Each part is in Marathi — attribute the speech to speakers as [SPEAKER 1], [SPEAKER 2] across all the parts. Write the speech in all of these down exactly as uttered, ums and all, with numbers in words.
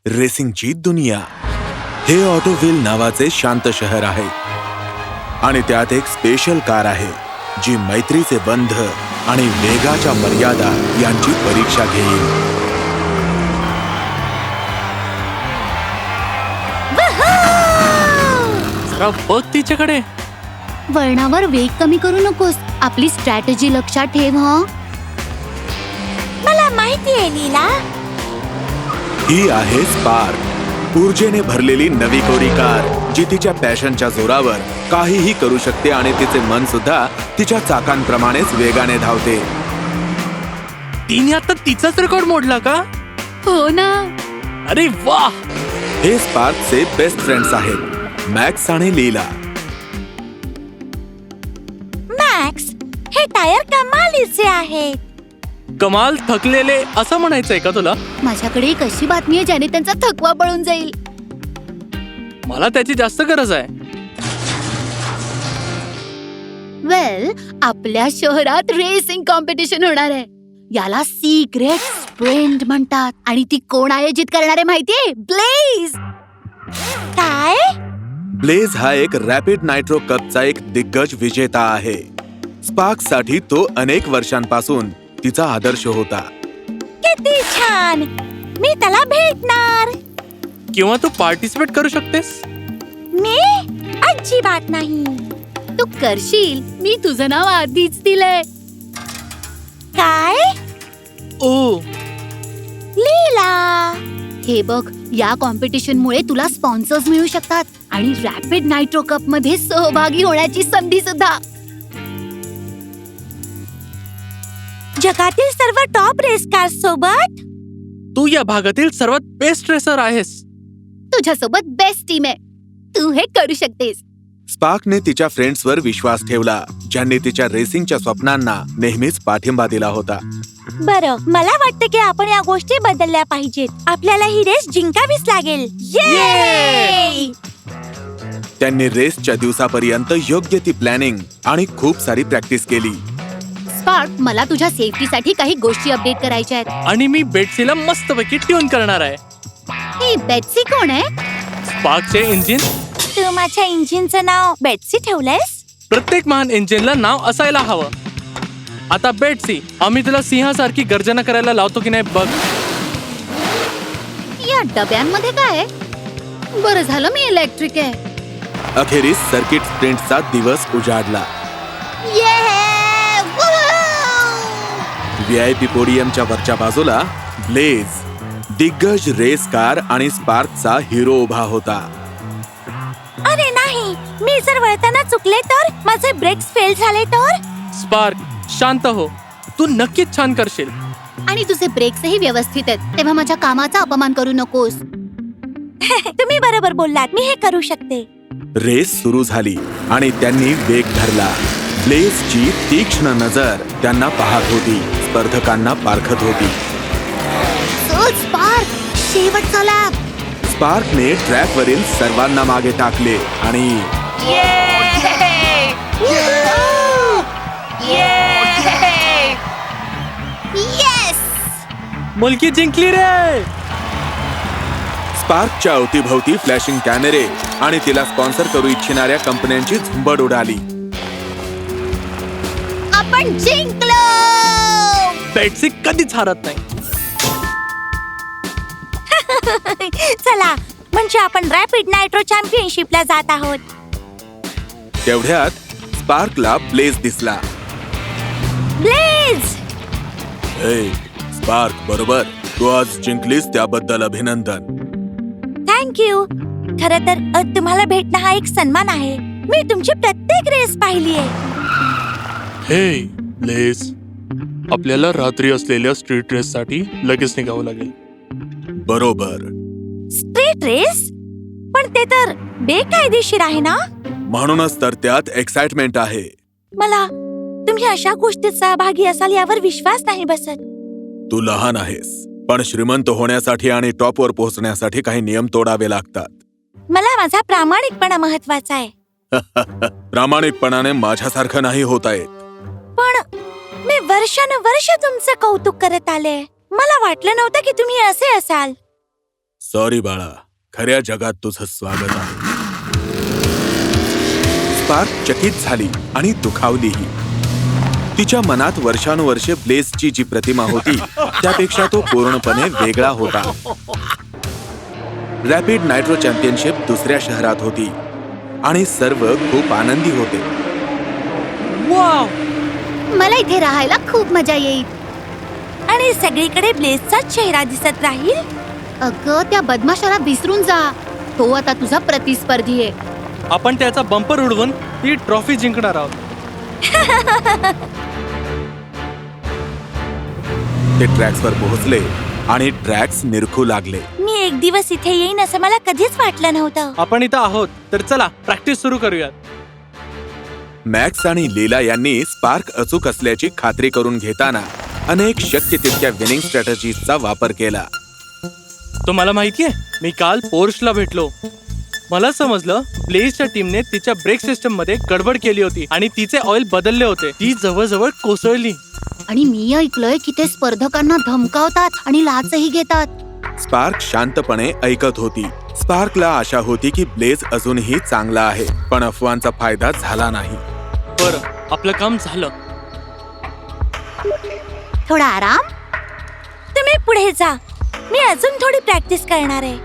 [SPEAKER 1] रेसिंगची दुनिया. हे ऑटोव्हिल नावाचे शांत शहर आहे आणि त्यात एक स्पेशल कार आहे जी मैत्रीचे बंध आणि वेगाच्या मर्यादा यांची परीक्षा घेईल.
[SPEAKER 2] जरा बघ तिच्याकडे.
[SPEAKER 3] वळणावर वेग कमी करू नकोस. आपली स्ट्रॅटेजी लक्षात ठेव. हं
[SPEAKER 4] मला माहिती आहे लीला.
[SPEAKER 1] ही आहे स्पार्क, ऊर्जेने भरलेली नवी कोरी कार जी तिच्या पॅशनच्या जोरावर काहीही करू शकते आणि तिचे मन सुद्धा तिच्या चाकांप्रमाणेच वेगाने धावते.
[SPEAKER 2] तिने आता तिचाच रेकॉर्ड मोडला का?
[SPEAKER 3] हो ना.
[SPEAKER 2] अरे वाह.
[SPEAKER 1] हे स्पार्कचे बेस्ट फ्रेंड्स आहेत, मॅक्स आणि लीला.
[SPEAKER 4] मॅक्स, हे टायर कमालीचे आहेत.
[SPEAKER 2] कमाल थकलेले असं म्हणायचंय का तुला?
[SPEAKER 3] माझ्याकडे एक अशी बातमी आहे ज्याने त्यांचा थकवा पळून जाईल.
[SPEAKER 2] मला त्याची जास्त गरज आहे.
[SPEAKER 3] वेल, आपल्या शहरात रेसिंग कॉम्पिटिशन होणार आहे. याला सिक्रेट स्प्रिंट म्हणतात आणि ती कोण आयोजित करणार आहे माहितीये? ब्लेज.
[SPEAKER 4] काय?
[SPEAKER 1] ब्लेज हा एक रॅपिड नायट्रो कपचा एक दिग्गज विजेता आहे. स्पार्क साठी तो अनेक वर्षांपासून तिचा आदर्श होता.
[SPEAKER 4] किती छान. मी त्याला भेटणार.
[SPEAKER 2] किंवा तू पार्टिसिपेट करू शकतेस.
[SPEAKER 4] मी अजिबात नाही.
[SPEAKER 3] तू करशील. मी तुझं नाव आधीच दिलंय.
[SPEAKER 4] काय?
[SPEAKER 2] ओ
[SPEAKER 4] लीला,
[SPEAKER 3] हे बघ, या कॉम्पिटिशन मुळे तुला स्पॉन्सर्स मिळू शकतात आणि रॅपिड नायट्रो कप मध्ये सहभागी होण्याची संधी सुद्धा.
[SPEAKER 4] जगातील सर्व टॉप रेस कार सोबत.
[SPEAKER 2] तू या भागातील सर्वात बेस्ट रेसर आहेस.
[SPEAKER 3] तुझ्यासोबत बेस्ट टीम आहे. तू हे करू शकतेस.
[SPEAKER 1] स्पार्कने तिच्या फ्रेंड्सवर विश्वास ठेवला, ज्यांनी तिच्या रेसिंगच्या स्वप्नांना नेहमीच पाठिंबा दिला होता.
[SPEAKER 4] बरं, मला वाटतं की आपण या गोष्टी बदलल्या पाहिजेत. आपल्याला ही रेस जिंकावीच लागेल. ये!
[SPEAKER 1] त्यांनी रेसच्या दिवसापर्यंत योग्य ती प्लॅनिंग आणि खूप सारी प्रॅक्टिस केली.
[SPEAKER 3] स्पार्क, मला तुझ्या सेफ्टीसाठी काही गोष्टी अपडेट करायच्या आहेत.
[SPEAKER 2] आणि मी बेट्सीला मस्तपैकी ट्यून करणार आहे.
[SPEAKER 3] ही बेट्सी कोण आहे?
[SPEAKER 2] स्पार्कचे इंजिन.
[SPEAKER 4] तू माझ्या इंजिनचं नाव बेट्सी ठेवलंयस?
[SPEAKER 2] प्रत्येक महान इंजिनला नाव असायला हवं. आता बेट्सी, आम्ही तुला सिंहासारखी गर्जना करायला लावतो की नाही बघ.
[SPEAKER 3] या डब्यांमध्ये काय आहे? बरं झालं मी इलेक्ट्रिक आहे.
[SPEAKER 1] अखेरीस सर्किट स्प्रिंटचा दिवस उजाडला. व्हीआयपी पोडियमच्या वरच्या बाजूला ब्लेज, दिग्गज रेस कार आणि स्पार्कचा हिरो उभा होता.
[SPEAKER 4] अरे नाही, मी जर वळताना चुकले तर, माझे ब्रेक्स फेल झाले तर?
[SPEAKER 2] स्पार्क, शांत हो. तू नक्कीच छान करशील.
[SPEAKER 3] आणि तुझे ब्रेक्सही व्यवस्थित आहेत, तेव्हा माझ्या कामाचा अपमान करू नकोस.
[SPEAKER 4] तुम्ही बरोबर बोललात. मी हे करू शकते.
[SPEAKER 1] रेस सुरू झाली आणि त्यांनी वेग धरला. ब्लेजची तीक्ष्ण नजर त्यांना पाहत होती, स्पर्धकांना पारखत होती.
[SPEAKER 3] चल स्पार्क, शेवटचा लॅप.
[SPEAKER 1] स्पार्कने ट्रॅकवरील सर्वांना मागे टाकले आणि
[SPEAKER 3] येस!
[SPEAKER 2] मुलगी जिंकली रे.
[SPEAKER 1] स्पार्कच्या अवतीभवती फ्लॅशिंग कॅमेरे आणि तिला स्पॉन्सर करू इच्छिणाऱ्या कंपन्यांची झुंबड उडाली.
[SPEAKER 3] आपण जिंकलो.
[SPEAKER 2] बेट्सी कधीच हारत नाही.
[SPEAKER 4] चला, म्हणजे आपण रॅपिड नायट्रो चॅम्पियनशिपला जात आहोत.
[SPEAKER 1] तेवढ्यात स्पार्कला ब्लेज दिसला.
[SPEAKER 4] ब्लेज!
[SPEAKER 1] हे स्पार्क, बरोबर, तू आज जिंकलीस त्याबद्दल अभिनंदन.
[SPEAKER 4] थँक्यू. खरं तर अ, तुम्हाला भेटणं हा एक सन्मान आहे. मी तुमची प्रत्येक रेस पाहिली आहे.
[SPEAKER 2] हे ब्लेज, आपल्याला रात्री असलेल्या स्ट्रीट रेस साठी लगेच निघावं लागेल.
[SPEAKER 1] बरोबर.
[SPEAKER 4] Street race? पण ते तर बेकायदेशीर आहे ना?
[SPEAKER 1] म्हणूनच तर त्यात एक्साइटमेंट आहे.
[SPEAKER 4] मला तुम्ही अशा गोष्टीत सहभागी असाल यावर विश्वास नाही बसत.
[SPEAKER 1] तू लहान आहेस, पण श्रीमंत होण्यासाठी आणि टॉपवर पोहोचण्यासाठी काही नियम तोडावे लागतात.
[SPEAKER 4] मला माझा प्रामाणिकपणा महत्वाचा आहे.
[SPEAKER 1] प्रामाणिकपणाने माझ्यासारखं नाही होता येत.
[SPEAKER 4] पण मी वर्षानुवर्ष तुमचं कौतुक करत आले. मला वाटलं नव्हतं की तुम्ही असे असाल.
[SPEAKER 1] सॉरी बाळा, खऱ्या जगात तुझं स्वागत आहे. स्पार्क चकित झाली आणि दुखावलीही. तिच्या मनात वर्षानुवर्षे ब्लेझची जी प्रतिमा होती त्यापेक्षा तो पूर्णपणे वेगळा होता. रॅपिड नायट्रो चॅम्पियनशिप दुसऱ्या शहरात होती आणि सर्व खूप आनंदी होते.
[SPEAKER 2] वाव,
[SPEAKER 3] मला इथे राहायला खूप मजा येईल.
[SPEAKER 4] आणि सगळीकडे ब्लेझचा चेहरा दिसत राहील.
[SPEAKER 3] अगं, त्या बदमाशाला विसरून जा. तो आता तुझा प्रतिस्पर्धी आहे.
[SPEAKER 2] आपण त्याचा बंपर उडवून ही ट्रॉफी जिंकणार आहोत.
[SPEAKER 1] ते ट्रॅक्सवर पोहोचले आणि ट्रॅक्स निरखू लागले.
[SPEAKER 4] मी एक दिवस इथे येईन असं मला कधीच वाटलं नव्हतं.
[SPEAKER 2] आपण इथं आहोत तर चला प्रॅक्टिस सुरू करूयात.
[SPEAKER 1] मॅक्स आणि लीला यांनी स्पार्क अचूक असल्याची खात्री करून घेताना अनेक शक्य तितक्या विनिंग स्ट्रॅटेजीचा वापर केला.
[SPEAKER 2] तुम्हाला माहितीये, मी काल पोर्शला भेटलो. मला समजलं ब्लेझच्या टीमने तिच्या ब्रेक सिस्टम मध्ये गडबड केली होती आणि तिचे ऑइल बदलले होते. ती जवळजवळ कोसळली.
[SPEAKER 3] आणि मी ऐकलंय की ते स्पर्धकांना धमकावतात आणि लाचही घेतात.
[SPEAKER 1] स्पार्क शांतपणे ऐकत होती. स्पार्कला आशा होती की ब्लेझ अजूनही चांगला आहे, पण अफवांचा फायदा झाला नाही.
[SPEAKER 2] बरं, आपलं काम झालं.
[SPEAKER 3] थोडा आराम.
[SPEAKER 4] तुम्ही पुढे जा, मी अजून थोडी प्रॅक्टिस करणार आहे.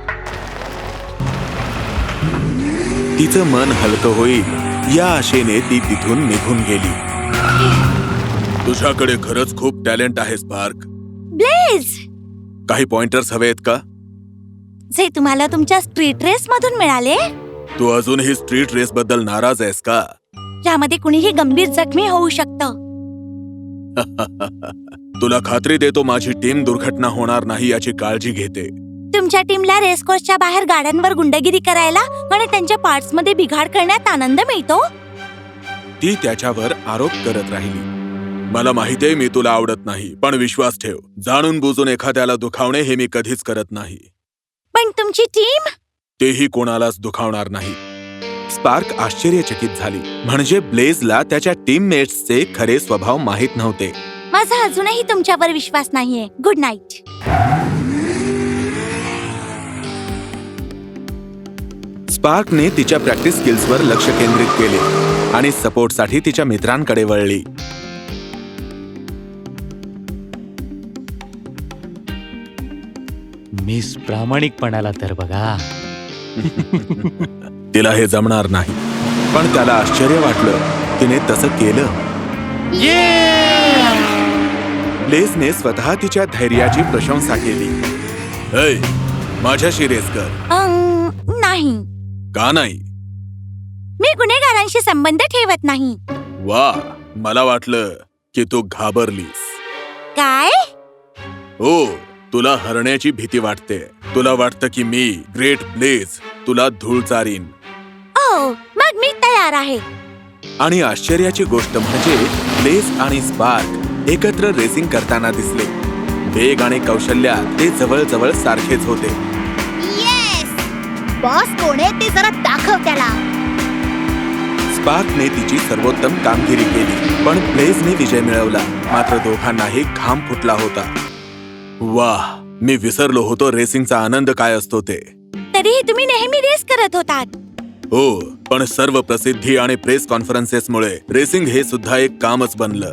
[SPEAKER 1] तिचं मन हलकं होईल या आशेने ती तिथून निघून गेली. तुझ्याकडे खरंच खूप टॅलेंट आहे स्पार्क.
[SPEAKER 4] ब्लेझ,
[SPEAKER 1] काही पॉइंटर्स हवेत का?
[SPEAKER 4] जे तुम्हाला तुमच्या स्ट्रीट रेस मधून मिळाले.
[SPEAKER 1] तू अजूनही स्ट्रीट रेस बद्दल नाराज आहेस का?
[SPEAKER 4] ज्यामध्ये कुणीही गंभीर जखमी होऊ शकतं.
[SPEAKER 1] तुला खात्री देतो माझी टीम दुर्घटना होणार नाही याची काळजी घेते.
[SPEAKER 4] तुमच्या टीमला रेस कोर्सच्या बाहेर गाड्यांवर गुंडगिरी करायला आणि त्यांच्या पार्ट्स मध्ये बिघाड करण्यात आनंद मिळतो.
[SPEAKER 1] ती त्याच्यावर आरोप करत राहिली. मला माहितीये मी तुला आवडत नाही, पण विश्वास ठेव, जाणून बुजून एखाद्याला दुखावणे हे मी कधीच करत नाही.
[SPEAKER 4] पण तुमची टीम?
[SPEAKER 1] तेही कोणालाच दुखावणार नाही. स्पार्क आश्चर्यचकित झाली. म्हणजे ब्लेझला त्याच्या टीममेट्सचे खरे स्वभाव माहीत नव्हते.
[SPEAKER 4] माझा अजूनही तुमच्यावर विश्वास नाहीये. Good night.
[SPEAKER 1] स्पार्कने तिच्या प्रॅक्टिस स्किल्सवर लक्ष केंद्रित केले आणि सपोर्टसाठी तिच्या मित्रांकडे वळली.
[SPEAKER 5] मिस प्रामाणिकपणाला तर बघा.
[SPEAKER 1] तिला हे जमणार नाही, पण त्याला आश्चर्य वाटलं तिने तसं केलं. ब्लेझने स्वतः तिच्या धैर्याची प्रशंसा केली. "ऐ, माझ्याशी रेस कर."
[SPEAKER 4] अं, नाही,
[SPEAKER 1] का नाही?
[SPEAKER 4] मी गुन्हेगारांशी संबंध ठेवत नाही.
[SPEAKER 1] वा, मला वाटलं की तू घाबरलीस.
[SPEAKER 4] काय?
[SPEAKER 1] हो, तुला हरण्याची भीती वाटते. तुला वाटतं की मी ग्रेट ब्लेझ तुला धूळ चारीन.
[SPEAKER 4] ओ, मग मी तयार आहे.
[SPEAKER 1] आणि आश्चर्याची गोष्ट म्हणजे ब्लेझ आणि स्पार्क एकत्र रेसिंग करताना दिसले. वेग आणि कौशल्यात ते जवळजवळ सारखेच होते.
[SPEAKER 3] येस, बॉस कोण आहे ते जरा दाखव त्याला.
[SPEAKER 1] स्पार्कने तिची सर्वोत्तम कामगिरी केली, पण ब्लेझने विजय मिळवला. मात्र दोघांनाही घाम फुटला होता. वाह, मी विसरलो होतो रेसिंगचा आनंद काय असतो ते.
[SPEAKER 4] तरीही तुम्ही नेहमी रेस करत होतात.
[SPEAKER 1] हो, पण सर्व प्रसिद्धी आणि प्रेस कॉन्फरन्सेसमुळे रेसिंग हे सुद्धा एक कामच बनलं.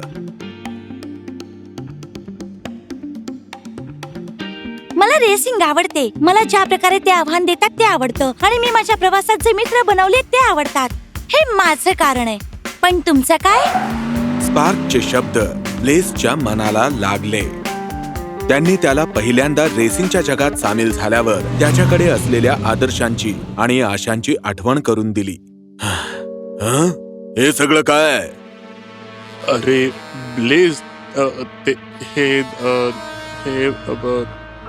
[SPEAKER 4] मला रेसिंग आवडते. मला ज्या प्रकारे ते आव्हान देतात ते आवडतं आणि मी माझ्या प्रवासात जे मित्र बनवले ते आवडतात. हे माझं कारण आहे. पण तुमचं काय?
[SPEAKER 1] स्पार्कचे शब्द ब्लेझच्या मनाला लागले. त्यांनी त्याला पहिल्यांदा रेसिंगच्या जगात सामील झाल्यावर त्याच्याकडे असलेल्या आदर्शांची आणि आशांची आठवण करून दिली. हं? हे सगळं काय?
[SPEAKER 6] अरे ब्लेझ, अ, ते हे अ, हे अ, ब-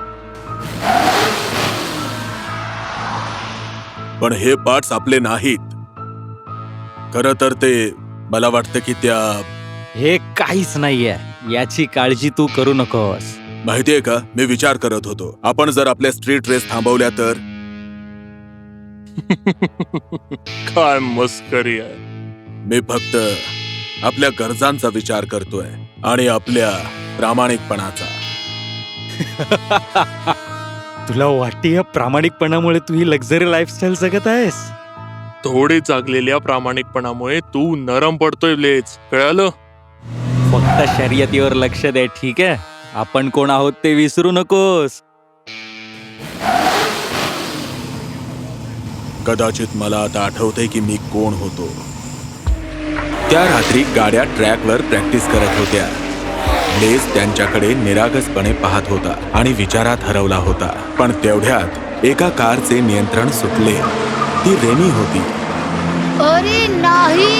[SPEAKER 1] पण हे पार्ट्स आपले नाहीत. खरं तर ते मला वाटतं की त्या
[SPEAKER 5] हे काहीच नाहीये, याची काळजी तू करू नकोस.
[SPEAKER 1] माहितीये का, मी विचार करत होतो आपण जर आपल्या स्ट्रीट रेस थांबवल्या तर.
[SPEAKER 6] काय मस्करी आहे.
[SPEAKER 1] मी फक्त आपल्या गरजांचा विचार करतोय आणि आपल्या प्रामाणिकपणाचा.
[SPEAKER 5] तुला वाटते या प्रामाणिकपणामुळे तू ही लक्झरी लाईफस्टाईल जगत आहेस?
[SPEAKER 6] थोडे जागलेल्या प्रामाणिकपणामुळे तू नरम पडतोय ब्लेज, कळालं?
[SPEAKER 5] फक्त शर्यतीवर लक्ष दे, ठीक आहे? आपण कोण आहोत ते विसरू नकोस.
[SPEAKER 1] कदाचित मला आता आठवतंय की मी कोण होतो. त्या रात्री गाड्या ट्रॅकवर प्रॅक्टिस करत होत्या. ब्लेज त्यांच्याकडे निरागसपणे पाहत होता आणि विचारात हरवला होता. पण तेवढ्यात एका कारचे नियंत्रण सुटले. ती रेमी होती.
[SPEAKER 3] अरे नाही.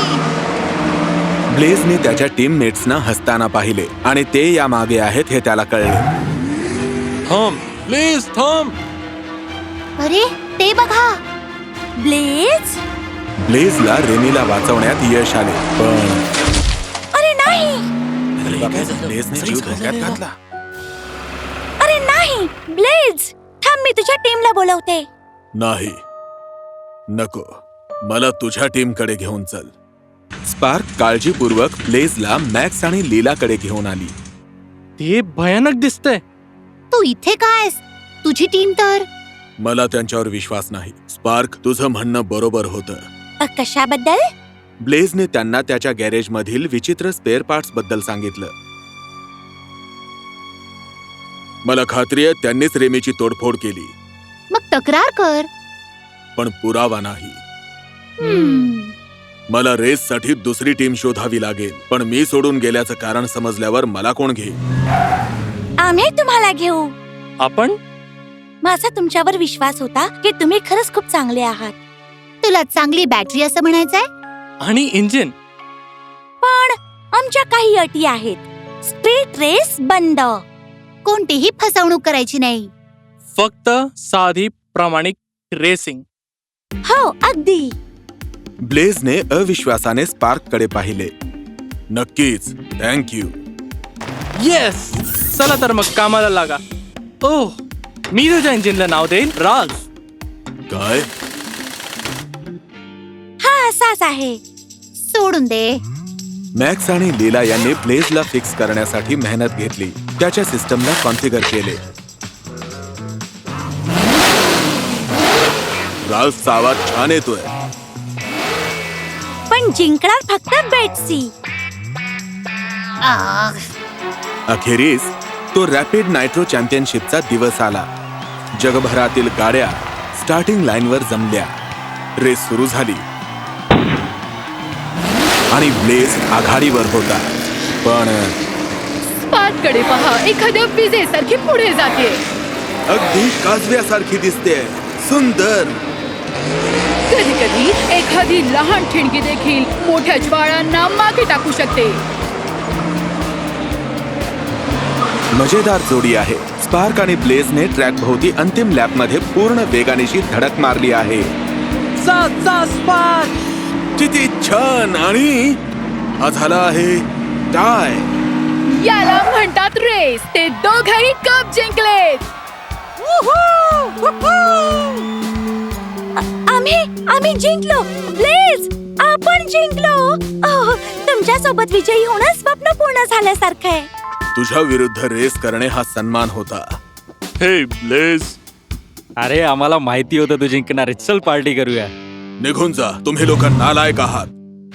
[SPEAKER 1] ब्लेझने त्याच्या टीममेट्सना हसताना पाहिले आणि ते या मागे आहेत हे त्याला कळले.
[SPEAKER 6] थांब ब्लेज, थांब.
[SPEAKER 3] अरे ते बघा.
[SPEAKER 4] ब्लेज,
[SPEAKER 1] ब्लेझला रेमीला वाचवण्यात यश आले. पण
[SPEAKER 4] अरे नाही,
[SPEAKER 1] ब्लेझने जीव धोक्यात घातला.
[SPEAKER 4] अरे नाही. ब्लेज, थांब, मी तुझ्या टीमला बोलवते.
[SPEAKER 1] नाही, नको, मला तुझ्या टीमकडे घेऊन चल. स्पार्क काळजीपूर्वक ब्लेझला मॅक्स आणि लीलाकडे घेऊन आली.
[SPEAKER 2] ते भयानक दिसतंय.
[SPEAKER 3] तू इथे कायस? तुझी टीम तर.
[SPEAKER 1] मला त्यांच्यावर विश्वास नाही. स्पार्क, तुझं म्हणणं बरोबर होतं.
[SPEAKER 4] अ, कशाबद्दल?
[SPEAKER 1] ब्लेझने त्यांना त्याच्या गॅरेजमधील विचित्र स्पेअर पार्ट्स बद्दल सांगितलं. मला खात्री आहे त्यांनीच रेमीची तोडफोड केली.
[SPEAKER 3] मग तक्रार कर.
[SPEAKER 1] पण पुरावा नाही.
[SPEAKER 3] हम्म.
[SPEAKER 1] मला रेससाठी दुसरी टीम शोधावी लागेल. पण मी सोडून गेल्याचं कारण समजल्यावर मला कोण घेईल?
[SPEAKER 4] आम्ही तुम्हाला घेऊ.
[SPEAKER 2] आपण
[SPEAKER 4] माझा तुमच्यावर विश्वास होता की तुम्ही खरंच खूप चांगले आहात.
[SPEAKER 3] तुला चांगली बॅटरी असं म्हणायचंय?
[SPEAKER 2] आणि इंजिन.
[SPEAKER 4] पण आमच्या काही अटी आहेत. स्ट्रीट रेस बंद.
[SPEAKER 3] कोणतीही फसवणूक करायची नाही.
[SPEAKER 2] फक्त साधी प्रामाणिक रेसिंग.
[SPEAKER 4] हो, अगदी.
[SPEAKER 1] ब्लेझने अविश्वासाने स्पार्ककडे पाहिले. नक्कीच, थँक यू.
[SPEAKER 2] येस. चला तर मग कामाला लागा. ओह, मी तुझ्या इंजिनला नाव देईन राज.
[SPEAKER 1] काय?
[SPEAKER 4] हा असाच आहे.
[SPEAKER 3] सोडून दे.
[SPEAKER 1] मॅक्स आणि लीला यांनी ब्लेझला फिक्स करण्यासाठी मेहनत घेतली. त्याच्या सिस्टमला कॉन्फिगर केले. राल्फचा आवाज छान येतोय.
[SPEAKER 4] पण जिंकणार फक्त बेट्सी.
[SPEAKER 3] आह,
[SPEAKER 1] अखेरीस तो रॅपिड नायट्रो चॅम्पियनशिपचा दिवस आला. जगभरातील गाड्या स्टार्टिंग लाईनवर जमल्या. रेस सुरू झाली आणि ब्लेझ आघाडीवर होता. पण
[SPEAKER 3] स्पार्ककडे पहा, एखाद्या विजेसारखी पुढे जाते.
[SPEAKER 1] अगदी काजव्यासारखी दिसते. सुंदर.
[SPEAKER 3] कधी कधी एखादी लहान ठिणगी देखील मोठ्या ज्वाळांना मागे टाकू शकते.
[SPEAKER 1] मजेदार जोडी आहे. स्पार्क आणि ब्लेझने ट्रॅक भोवती अंतिम लॅपमध्ये पूर्ण वेगानेशी धडक मारली आहे.
[SPEAKER 2] जा जा स्पार्क.
[SPEAKER 1] किती छान. आणि हा झाला आहे टाय.
[SPEAKER 3] याला म्हणतात रेस. ते दोघही कप जिंकलेत.
[SPEAKER 4] आम्ही आम्ही जिंकलो. ब्लेज, आपण जिंकलो. ओह, तुमच्या सोबत विजयी होणं स्वप्न पूर्ण झाल्यासारखं आहे.
[SPEAKER 1] तुझ्या विरुद्ध रेस करणे हा सन्मान होता.
[SPEAKER 6] हे ब्लेज,
[SPEAKER 5] अरे आम्हाला माहिती होतं तू जिंकणार. चल पार्टी करूया.
[SPEAKER 1] निघून जा, तुम्ही लोक नालायक आहात.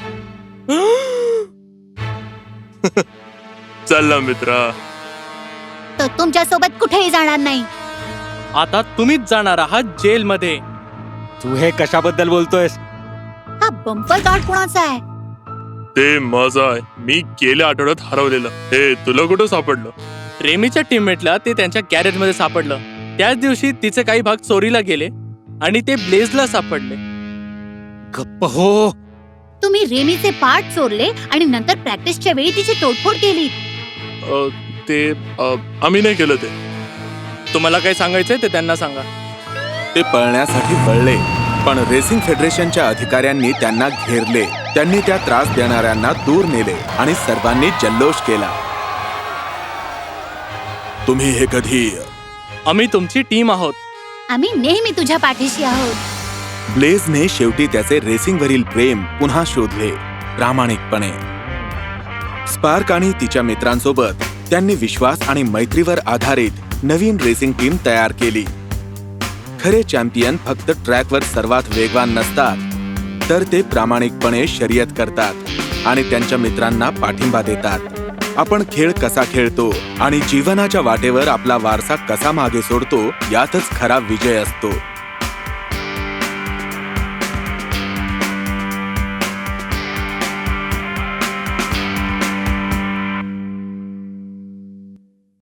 [SPEAKER 6] चल ना मित्रा.
[SPEAKER 3] तर तुमच्या सोबत कुठेही जाणार नाही.
[SPEAKER 2] आता तुम्हीच जाणार आहात जेलमध्ये.
[SPEAKER 5] तू हे कशाबद्दल बोलतोयस?
[SPEAKER 3] हा बंपर कार्ड कोणाचा आहे?
[SPEAKER 6] ते माझं आहे. मी गेल्या आठवड्यात हरवलेलं. हे तुला कुठं सापडलं?
[SPEAKER 2] रेमीच्या टीममेटला ते त्यांच्या गॅरेजमध्ये सापडलं. त्याच दिवशी तिचे काही भाग चोरीला गेले आणि ते ब्लेझला सापडले.
[SPEAKER 5] गप्प हो.
[SPEAKER 3] तुम्ही रेमीचे पार्ट चोरले आणि नंतर प्रॅक्टिसच्या वेळी तिची तोडफोड केली.
[SPEAKER 6] अ, ते अ, आम्ही नाही केलं ते.
[SPEAKER 2] तुम्हाला काय सांगायचंय ते त्यांना सांगा.
[SPEAKER 1] ते पळण्यासाठी पळले, पण रेसिंग फेडरेशनच्या अधिकाऱ्यांनी त्यांना घेरले. त्यांनी त्या त्रास देणाऱ्यांना दूर नेले आणि सर्वांनी जल्लोष केला. तुम्ही हे कधी?
[SPEAKER 2] आम्ही तुमची टीम आहोत.
[SPEAKER 3] आम्ही नेहमी तुझ्या पाठीशी आहोत.
[SPEAKER 1] ब्लेझने शेवटी त्याचे रेसिंगवरील प्रेम पुन्हा शोधले. प्रामाणिकपणे. स्पार्क आणि तिच्या मित्रांसोबत त्यांनी विश्वास आणि मैत्रीवर आधारित नवीन रेसिंग टीम तयार केली. खरे चॅम्पियन फक्त ट्रॅकवर सर्वात वेगवान नसतात, तर ते प्रामाणिकपणे शर्यत करतात आणि त्यांच्या मित्रांना पाठिंबा देतात. आपण खेळ कसा खेळतो आणि जीवनाच्या वाटेवर आपला वारसा कसा मागे सोडतो, यातच खरा विजय असतो.